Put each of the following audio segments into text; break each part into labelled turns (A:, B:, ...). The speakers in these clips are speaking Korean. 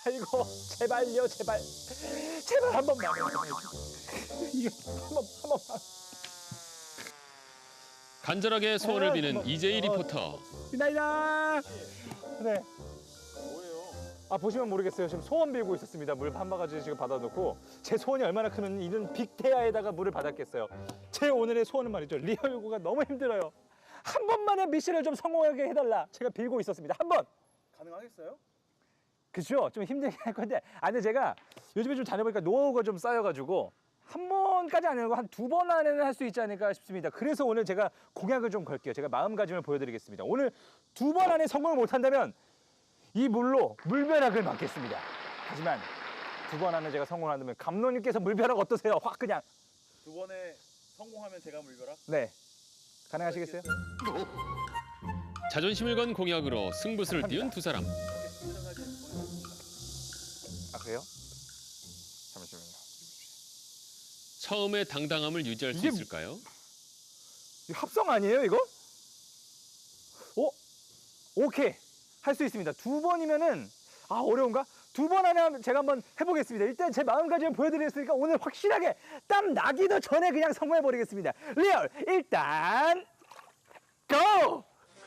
A: 아이고 제발요 제발 제발 한 번만 이게 한 번만
B: 간절하게 소원을 비는 이재희 리포터.
A: 이나이다. 네. 아 보시면 모르겠어요. 지금 소원 빌고 있었습니다. 물 한 바가지 지금 받아놓고 제 소원이 얼마나 크면 이런 빅테아에다가 물을 받았겠어요. 제 오늘의 소원은 말이죠. 리얼 요구가 너무 힘들어요. 한 번만의 미션을 좀 성공하게 해달라. 제가 빌고 있었습니다. 한 번.
C: 가능하겠어요?
A: 그렇죠. 좀 힘들게 할 건데. 아 근데 제가 요즘에 좀 다녀보니까 노하우가 좀 쌓여가지고 한 번까지 아니고 한 두 번 안에는 할 수 있지 않을까 싶습니다. 그래서 오늘 제가 공약을 좀 걸게요. 제가 마음가짐을 보여드리겠습니다. 오늘 두 번 안에 성공을 못한다면 이 물로 물벼락을 맞겠습니다. 하지만 두 번 안에 제가 성공한다면 감독님께서 물벼락 어떠세요? 확 그냥.
C: 두 번에 성공하면 제가 물벼락?
A: 네. 가능하시겠어요?
B: 자존심을 건 공약으로 승부수를 띄운 두 사람.
A: 아 그래요? 잠시만요.
B: 처음의 당당함을 유지할 수
A: 이게
B: 있을까요?
A: 이거 합성 아니에요 이거? 오케이. 할 수 있습니다. 두 번이면은 아 어려운가? 두 번 안에 하면 제가 한번 해보겠습니다. 일단 제 마음가짐을 보여드렸으니까 오늘 확실하게 땀 나기도 전에 그냥 성공해버리겠습니다. 리얼 일단 고!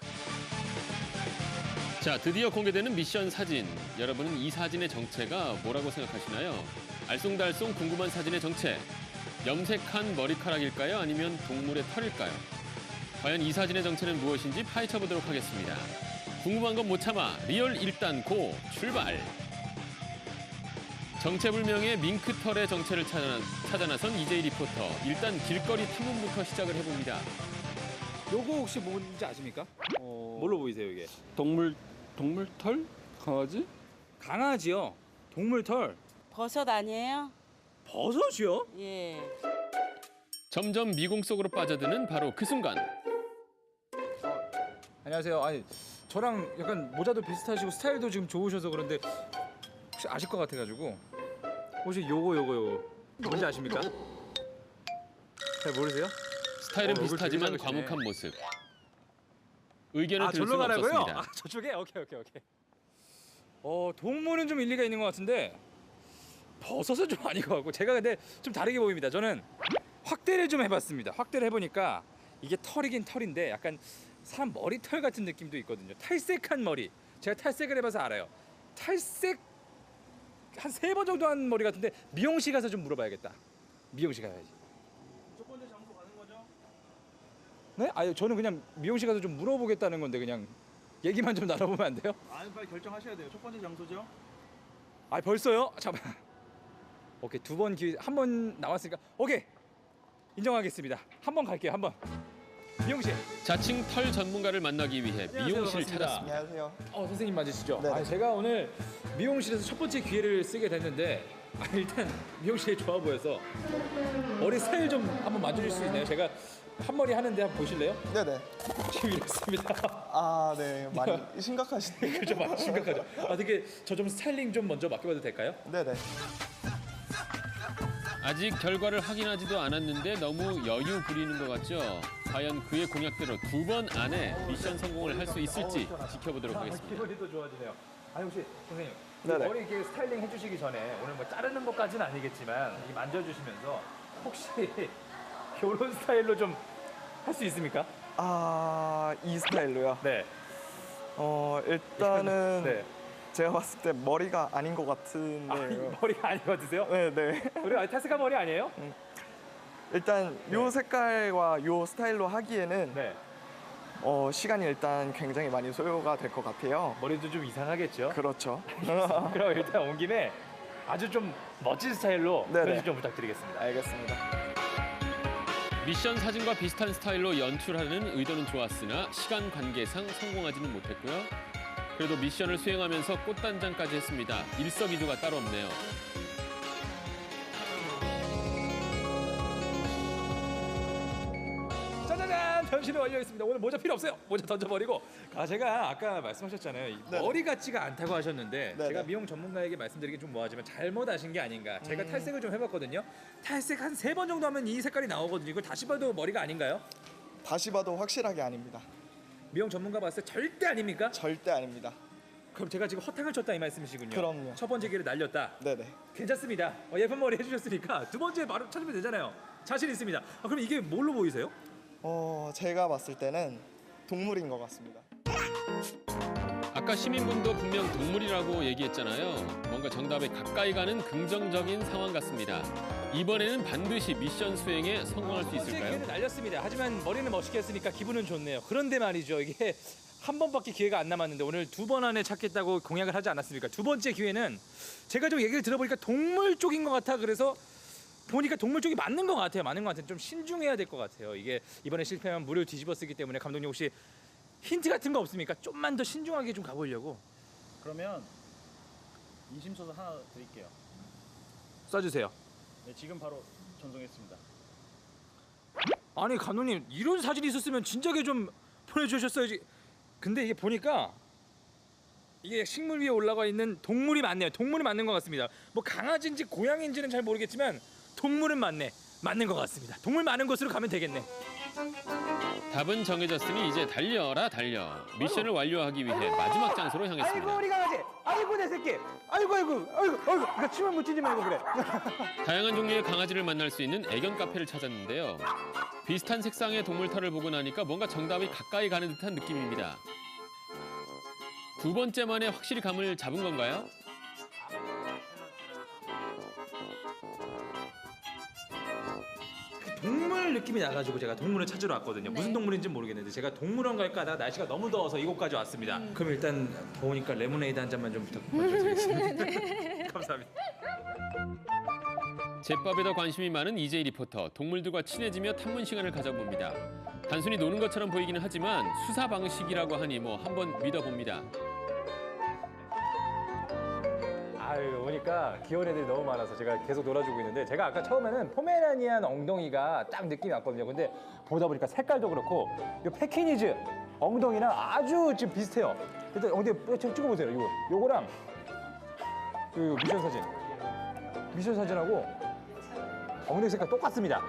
B: 자, 드디어 공개되는 미션 사진. 여러분은 이 사진의 정체가 뭐라고 생각하시나요? 알쏭달쏭 궁금한 사진의 정체. 염색한 머리카락일까요? 아니면 동물의 털일까요? 과연 이 사진의 정체는 무엇인지 파헤쳐 보도록 하겠습니다. 궁금한 건 못 참아. 리얼 일단 고 출발. 정체불명의 밍크털의 정체를 찾아 나선 이재희 리포터. 일단 길거리 탐문부터 시작을 해봅니다.
D: 요거 혹시 뭔지 아십니까? 뭘로 보이세요 이게?
E: 동물털? 강아지?
D: 강아지요. 동물털.
F: 버섯 아니에요?
D: 버섯이요?
F: 예.
B: 점점 미궁 속으로 빠져드는 바로 그 순간.
D: 안녕하세요. 아니 저랑 약간 모자도 비슷하시고 스타일도 지금 좋으셔서 그런데 혹시 아실 것 같아가지고 혹시 요거 뭔지 아십니까? 잘 모르세요?
B: 스타일은
D: 얼굴
B: 비슷하지만
D: 되게 작으시네.
B: 과묵한 모습. 의견을 들을
D: 절로
B: 수는
D: 가라고요?
B: 없었습니다.
D: 아 저쪽에? 오케이. 동물은 좀 일리가 있는 것 같은데 버섯은 좀 아닌 것 같고 제가 근데 좀 다르게 보입니다. 저는 확대를 좀 해봤습니다. 확대를 해보니까 이게 털이긴 털인데 약간 사람 머리털 같은 느낌도 있거든요. 탈색한 머리. 제가 탈색을 해봐서 알아요. 탈색 한 3번 정도 한 머리 같은데 미용실 가서 좀 물어봐야겠다. 미용실 가야지.
C: 첫 번째 장소 가는 거죠?
D: 네? 아니 저는 그냥 미용실 가서 좀 물어보겠다는 건데 그냥 얘기만 좀 나눠보면 안 돼요?
C: 아니 빨리 결정하셔야 돼요. 첫 번째 장소죠?
D: 아 벌써요? 잠깐. 오케이 두 번 기회 한 번 나왔으니까 오케이 인정하겠습니다. 한 번 갈게요. 한 번. 미용실.
B: 자칭 털 전문가를 만나기 위해
D: 안녕하세요,
B: 미용실을
D: 반갑습니다.
B: 찾았습니다.
G: 안녕하세요.
D: 선생님 맞으시죠?
G: 네.
D: 아, 제가 오늘 미용실에서 첫 번째 기회를 쓰게 됐는데 일단 미용실이 좋아 보여서 머리 스타일 좀 한번 만져줄 수 있나요? 제가 한 머리 하는데 한번 보실래요?
G: 네네.
D: 지금 이렇습니다.
G: 아, 네. 많이 심각하시네.
D: 그죠? 많이 심각하죠? 되게 저 좀 스타일링 좀 먼저 맡겨봐도 될까요?
G: 네네.
B: 아직 결과를 확인하지도 않았는데 너무 여유 부리는 것 같죠? 과연 그의 공약대로 두 번 안에 미션 성공을 할 수 있을지 지켜보도록 하겠습니다.
D: 기분이 또 좋아지네요. 아니 혹시 선생님
G: 네네.
D: 머리 이렇게 스타일링 해주시기 전에 오늘 뭐 자르는 것까지는 아니겠지만 이 만져주시면서 혹시 이런 스타일로 좀 할 수 있습니까?
G: 아, 이 스타일로요?
D: 네.
G: 일단은
D: 네.
G: 제가 봤을 때 머리가 아닌 것
D: 아,
G: 같은데.
D: 이 머리가 아닌 것 같으세요?
G: 네네.
D: 우리 탈색한 머리 아니에요?
G: 일단 요 색깔과 요 스타일로 하기에는
D: 네.
G: 시간이 일단 굉장히 많이 소요가 될 것 같아요.
D: 머리도 좀 이상하겠죠?
G: 그렇죠.
D: 그럼 일단 온 김에 아주 좀 멋진 스타일로
G: 네네.
D: 편집 좀 부탁드리겠습니다.
G: 알겠습니다.
B: 미션 사진과 비슷한 스타일로 연출하는 의도는 좋았으나 시간 관계상 성공하지는 못했고요. 그래도 미션을 수행하면서 꽃단장까지 했습니다. 일석이조가 따로 없네요.
D: 짜자잔! 변신이 완료했습니다. 오늘 모자 필요 없어요. 모자 던져버리고. 제가 아까 말씀하셨잖아요. 이
G: 네네.
D: 머리 같지가 않다고 하셨는데
G: 네네.
D: 제가 미용 전문가에게 말씀드리기 좀 뭐하지만 잘못 아신 게 아닌가. 제가 탈색을 좀 해봤거든요. 탈색 한 3번 정도 하면 이 색깔이 나오거든요. 이걸 다시 봐도 머리가 아닌가요?
G: 다시 봐도 확실하게 아닙니다.
D: 미용 전문가 봤을 때 절대 아닙니까?
G: 절대 아닙니다.
D: 그럼 제가 지금 허탕을 쳤다 이 말씀이시군요.
G: 그럼요.
D: 첫 번째 기회를 날렸다.
G: 네네.
D: 괜찮습니다. 예쁜 머리 해주셨으니까 두 번째 바로 찾으면 되잖아요. 자신 있습니다. 그럼 이게 뭘로 보이세요?
G: 제가 봤을 때는 동물인 것 같습니다.
B: 아까 시민분도 분명 동물이라고 얘기했잖아요. 뭔가 정답에 가까이 가는 긍정적인 상황 같습니다. 이번에는 반드시 미션 수행에 성공할 수
D: 첫 번째
B: 있을까요?
D: 기회를 날렸습니다. 하지만 머리는 멋있게 했으니까 기분은 좋네요. 그런데 말이죠. 이게 한 번밖에 기회가 안 남았는데 오늘 2번 안에 찾겠다고 공약을 하지 않았습니까? 두 번째 기회는 제가 좀 얘기를 들어보니까 동물 쪽인 것 같아. 그래서 보니까 동물 쪽이 맞는 것 같아요. 맞는 것 같아요. 좀 신중해야 될 것 같아요. 이게 이번에 실패하면 무료 뒤집어 쓰기 때문에 감독님 혹시 힌트 같은 거 없습니까? 좀만 더 신중하게 좀 가보려고.
C: 그러면 인심소설 하나 드릴게요.
D: 써주세요.
C: 네, 지금 바로 전송했습니다.
D: 아니 감독님 이런 사진이 있었으면 진작에 좀 보내주셨어야지. 근데 이게 보니까 이게 식물 위에 올라가 있는 동물이 맞네요. 동물이 맞는 것 같습니다. 뭐 강아지인지 고양이인지는 잘 모르겠지만 동물은 맞네. 맞는 것 같습니다. 동물 많은 곳으로 가면 되겠네.
B: 답은 정해졌으니 이제 달려라 달려. 미션을 완료하기 위해 마지막 장소로
A: 아이고
B: 향했습니다.
A: 우리 강아지. 아이고 내 새끼. 아이고. 그러니까 침을 묻히지 말고 그래.
B: 다양한 종류의 강아지를 만날 수 있는 애견 카페를 찾았는데요. 비슷한 색상의 동물 털을 보고 나니까 뭔가 정답이 가까이 가는 듯한 느낌입니다. 두 번째 만에 확실히 감을 잡은 건가요?
D: 동물 느낌이 나가지고 제가 동물을 찾으러 왔거든요. 무슨 동물인지 모르겠는데 제가 동물원 갈까 하다가 날씨가 너무 더워서 이곳까지 왔습니다. 그럼 일단 더우니까 레모네이드 한 잔만 좀 부탁드리겠습니다. 감사합니다.
B: 제밥에 더 관심이 많은 이재희 리포터. 동물들과 친해지며 탐문 시간을 가져봅니다. 단순히 노는 것처럼 보이기는 하지만 수사 방식이라고 하니 뭐 한번 믿어봅니다.
A: 아유 오니까 귀여운 애들이 너무 많아서 제가 계속 놀아주고 있는데 제가 아까 처음에는 포메라니안 엉덩이가 딱 느낌이 왔거든요. 근데 보다 보니까 색깔도 그렇고 이 패키니즈 엉덩이랑 아주 지금 비슷해요. 일단 엉덩이 좀 찍어보세요. 요거랑 그 미션 사진하고 엉덩이 색깔 똑같습니다.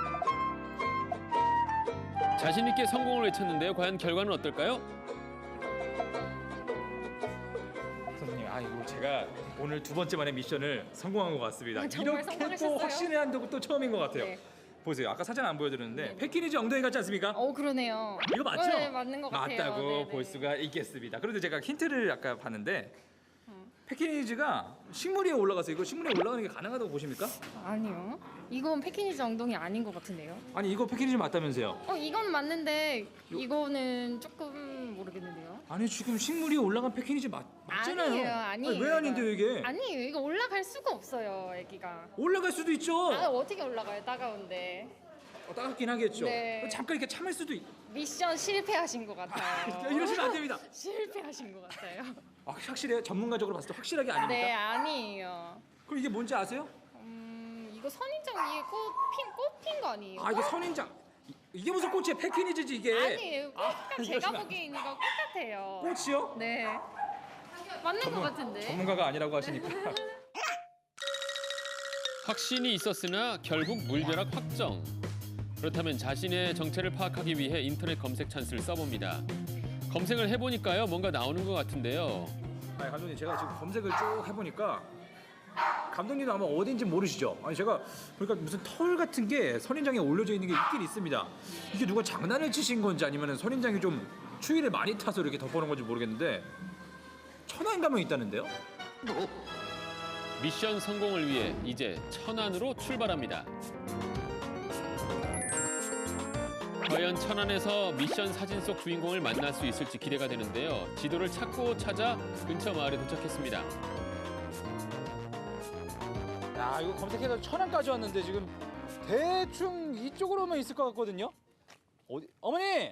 B: 자신 있게 성공을 외쳤는데요. 과연 결과는 어떨까요?
D: 선생님, 이거 제가 오늘 두 번째 만에 미션을 성공한 것 같습니다.
F: 정말
D: 이렇게 또
F: 성공하셨어요?
D: 확신을 한다고 또 처음인 것 같아요.
F: 네.
D: 보세요. 아까 사진 안 보여드렸는데 패키니즈 엉덩이 같지 않습니까?
F: 그러네요.
D: 이거 맞죠?
F: 네, 맞는 것 같아요.
D: 맞다고
F: 네네.
D: 볼 수가 있겠습니다. 그런데 제가 힌트를 아까 봤는데 패키니즈가 식물 위에 올라가서 이거 식물 위에 올라가는 게 가능하다고 보십니까?
F: 아니요. 이건 패키니즈 엉덩이 아닌 것 같은데요.
D: 아니 이거 패키니즈 맞다면서요?
F: 이건 맞는데 이거는 조금 모르겠는데요.
D: 아니 지금 식물 위에 올라간 패키니즈 맞잖아요.
F: 아니에요, 아니에요.
D: 아니, 왜 아닌데요 이게?
F: 아니에요. 이거 올라갈 수가 없어요, 애기가.
D: 올라갈 수도 있죠.
F: 어떻게 올라가요, 따가운데.
D: 따갑긴 하겠죠.
F: 네.
D: 잠깐 이렇게 참을 수도
F: 미션 실패하신 것 같아요.
D: 이러시면 안 됩니다.
F: 실패하신 것 같아요.
D: 확실해요? 전문가적으로 봤을 때 확실하게 아닙니까?
F: 네, 아니에요.
D: 그럼 이게 뭔지 아세요?
F: 이거 선인장 위에 꽃핀 거 아니에요?
D: 이거 선인장. 이게 무슨 꽃이에요? 패키니즈지 이게.
F: 아니에요. 약간 제가
D: 이러시면 안
F: 보기엔 이거 꽃 같아요.
D: 꽃이요?
F: 네. 맞는 것 같은데.
D: 전문가가 아니라고 하시니까.
B: 확신이 있었으나 결국 물벼락 확정. 그렇다면 자신의 정체를 파악하기 위해 인터넷 검색 찬스를 써봅니다. 검색을 해보니까요, 뭔가 나오는 것 같은데요.
D: 아니 감독님 제가 지금 검색을 쭉 해보니까 감독님도 아마 어딘지 모르시죠? 아니 제가 그러니까 무슨 털 같은 게 선인장에 올려져 있는 게 있긴 있습니다. 이게 누가 장난을 치신 건지 아니면 선인장이 좀 추위를 많이 타서 이렇게 덮어놓은 건지 모르겠는데 천안 가면 있다는데요?
B: 미션 성공을 위해 이제 천안으로 출발합니다. 과연 천안에서 미션 사진 속 주인공을 만날 수 있을지 기대가 되는데요. 지도를 찾고 찾아 근처 마을에 도착했습니다.
D: 야 이거 검색해서 천안까지 왔는데 지금 대충 이쪽으로만 있을 것 같거든요. 어디? 어머니!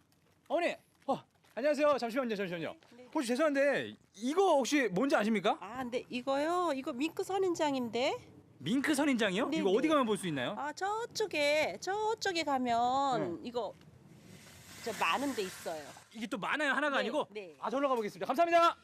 D: 안녕하세요. 잠시만요. 혹시 죄송한데 이거 혹시 뭔지 아십니까?
H: 네 이거요. 이거 밍크 선인장인데.
D: 밍크 선인장이요?
H: 네,
D: 이거
H: 네.
D: 어디 가면 볼 수 있나요?
H: 저쪽에 가면 이거 저 많은 데 있어요.
D: 이게 또 많아요. 하나가
H: 네,
D: 아니고?
H: 네.
D: 저로 가보겠습니다. 감사합니다.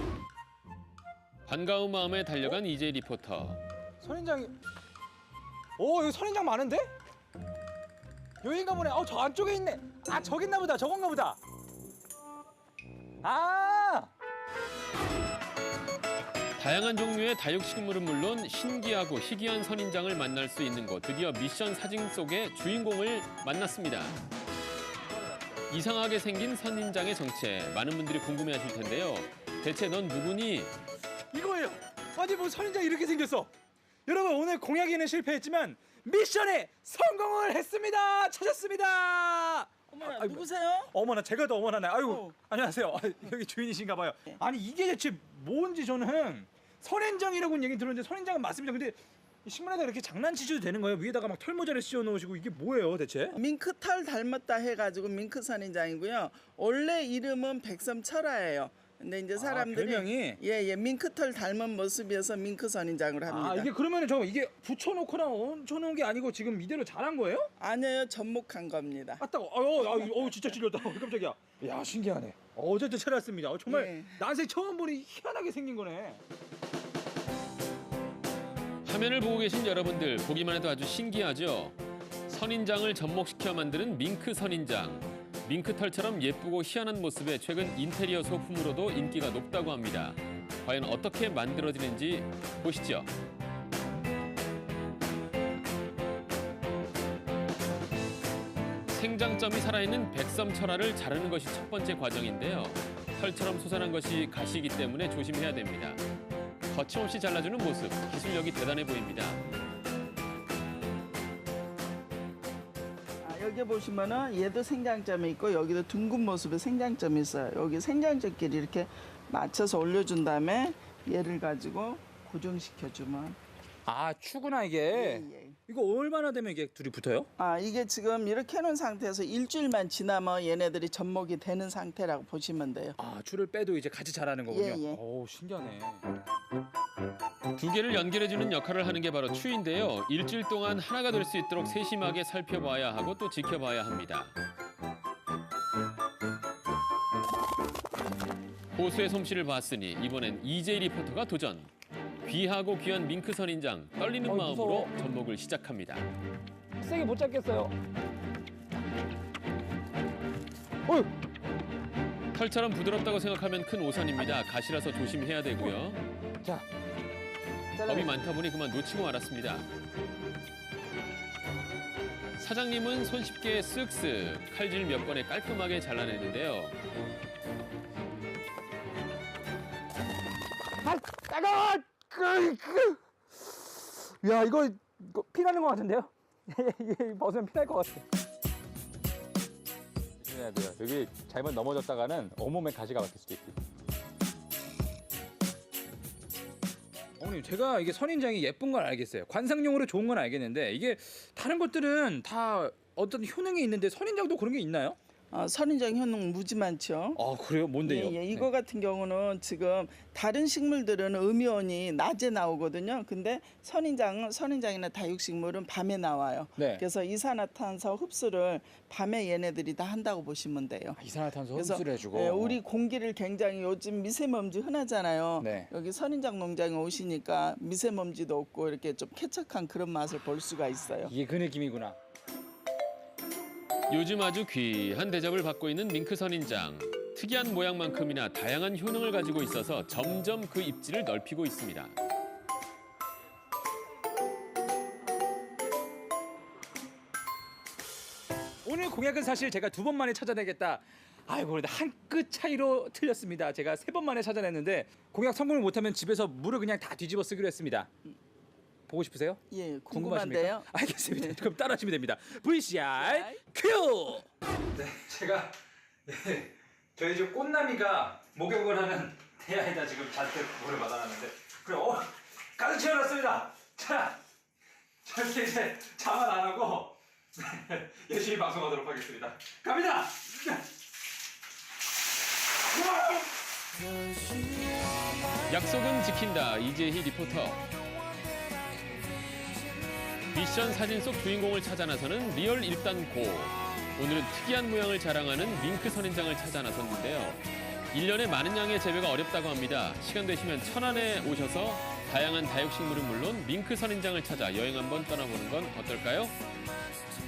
B: 반가운 마음에 달려간 이재희 리포터.
A: 선인장이. 여기 선인장 많은데? 여긴가 보네. 저 안쪽에 있네. 저기 있나 보다. 저건가 보다.
B: 다양한 종류의 다육식물은 물론 신기하고 희귀한 선인장을 만날 수 있는 곳. 드디어 미션 사진 속의 주인공을 만났습니다. 이상하게 생긴 선인장의 정체. 많은 분들이 궁금해하실 텐데요. 대체 넌 누구니?
A: 이거예요. 아니 뭐 선인장 이렇게 생겼어. 여러분 오늘 공약에는 실패했지만 미션에 성공을 했습니다. 찾았습니다.
I: 어머나
A: 아이고.
I: 누구세요?
A: 어머나 제가 더 어머나네. 아이고
I: 어.
A: 안녕하세요. 아, 여기 주인이신가 봐요.
I: 네.
A: 아니 이게 대체 뭔지 저는 선인장이라고는 얘기 들었는데 선인장은 맞습니다. 근데 이 식물에다 이렇게 장난치셔도 되는 거예요? 위에다가 막 털모자를 씌워 놓으시고 이게 뭐예요 대체?
I: 밍크털 닮았다 해가지고 밍크 선인장이고요. 원래 이름은 백섬철화예요. 근데 이제 사람들이
A: 별명이?
I: 예 밍크털 닮은 모습이어서 밍크 선인장을 합니다.
A: 아 이게 그러면은 저 이게 붙여놓거나 얹혀놓은 게 아니고 지금 이대로 자란 거예요?
I: 아니에요, 접목한 겁니다.
A: 아따, 진짜 찔렸다. 깜짝이야. 야 신기하네. 어제도 찾았습니다. 정말
I: 예.
A: 난생 처음 보니 희한하게 생긴 거네.
B: 화면을 보고 계신 여러분들 보기만 해도 아주 신기하죠? 선인장을 접목시켜 만드는 밍크 선인장. 밍크털처럼 예쁘고 희한한 모습에 최근 인테리어 소품으로도 인기가 높다고 합니다. 과연 어떻게 만들어지는지 보시죠. 생장점이 살아있는 백섬철화를 자르는 것이 첫 번째 과정인데요. 털처럼 솟아난 것이 가시이기 때문에 조심해야 됩니다. 거침없이 잘라주는 모습, 기술력이 대단해 보입니다.
I: 여기 보시면은 얘도 생장점이 있고 여기도 둥근 모습에 생장점이 있어요. 여기 생장점끼리 이렇게 맞춰서 올려준 다음에 얘를 가지고 고정시켜주면
A: 아 추구나 이게.
I: 예.
A: 이거 얼마나 되면 이게 둘이 붙어요?
I: 이게 지금 이렇게 해놓은 상태에서 일주일만 지나면 얘네들이 접목이 되는 상태라고 보시면 돼요.
A: 아 줄을 빼도 이제 같이 자라는 거군요.
I: 예.
A: 오 신기하네.
B: 두 개를 연결해주는 역할을 하는 게 바로 추인데요. 일주일 동안 하나가 될 수 있도록 세심하게 살펴봐야 하고 또 지켜봐야 합니다. 고수의 솜씨를 봤으니 이번엔 이재희 리포터가 도전. 귀하고 귀한 밍크 선인장 떨리는 마음으로
A: 무서워.
B: 접목을 시작합니다.
A: 세게 못 잡겠어요.
B: 털처럼 부드럽다고 생각하면 큰 오산입니다. 가시라서 조심해야 되고요.
A: 자,
B: 겁이 많다 보니 그만 놓치고 말았습니다. 사장님은 손쉽게 쓱쓱 칼질 몇 번에 깔끔하게 잘라내는데요.
A: 야 이거 피나는 것 같은데요? 이게 벗으면 피날 것 같아. 조심해야 돼요. 여기 잘못 넘어졌다가는 온몸에 가시가 박힐 수도 있고. 어머님 제가 이게 선인장이 예쁜 건 알겠어요. 관상용으로 좋은 건 알겠는데 이게 다른 것들은 다 어떤 효능이 있는데 선인장도 그런 게 있나요?
I: 선인장 효능 무지 많죠.
A: 아 그래요? 뭔데요?
I: 예, 이거 같은 경우는 지금 다른 식물들은 음이온이 낮에 나오거든요. 근데 선인장이나 다육식물은 밤에 나와요.
A: 네.
I: 그래서 이산화탄소 흡수를 밤에 얘네들이 다 한다고 보시면 돼요.
A: 이산화탄소
I: 그래서
A: 흡수를 해주고.
I: 예, 우리 공기를 굉장히 요즘 미세먼지 흔하잖아요.
A: 네.
I: 여기 선인장 농장에 오시니까 미세먼지도 없고 이렇게 좀 쾌척한 그런 맛을 볼 수가 있어요.
A: 이게 그 느낌이구나.
B: 요즘 아주 귀한 대접을 받고 있는 밍크 선인장. 특이한 모양만큼이나 다양한 효능을 가지고 있어서 점점 그 입지를 넓히고 있습니다.
A: 오늘 공약은 사실 제가 2번 만에 찾아내겠다. 아이고 근데 한 끗 차이로 틀렸습니다. 제가 3번 만에 찾아냈는데 공약 성공을 못하면 집에서 물을 그냥 다 뒤집어 쓰기로 했습니다. 보고 싶으세요?
I: 예,
A: 궁금하십니까?
I: 궁금한데요.
A: 알겠습니다. 그럼 따라하시면 됩니다. VCR 큐! 네, 제가 저희 집 꽃나미가 목욕을 하는 대야에다 지금 잔뜩 물을 받아놨는데 그래, 가득 채워놨습니다. 자, 절대 이제 자만 안 하고 열심히 방송하도록 하겠습니다. 갑니다!
B: 약속은 지킨다. 이재희 리포터. 미션 사진 속 주인공을 찾아 나서는 리얼 일단고. 오늘은 특이한 모양을 자랑하는 밍크 선인장을 찾아 나섰는데요. 1년에 많은 양의 재배가 어렵다고 합니다. 시간 되시면 천안에 오셔서 다양한 다육식물은 물론 밍크 선인장을 찾아 여행 한번 떠나보는 건 어떨까요?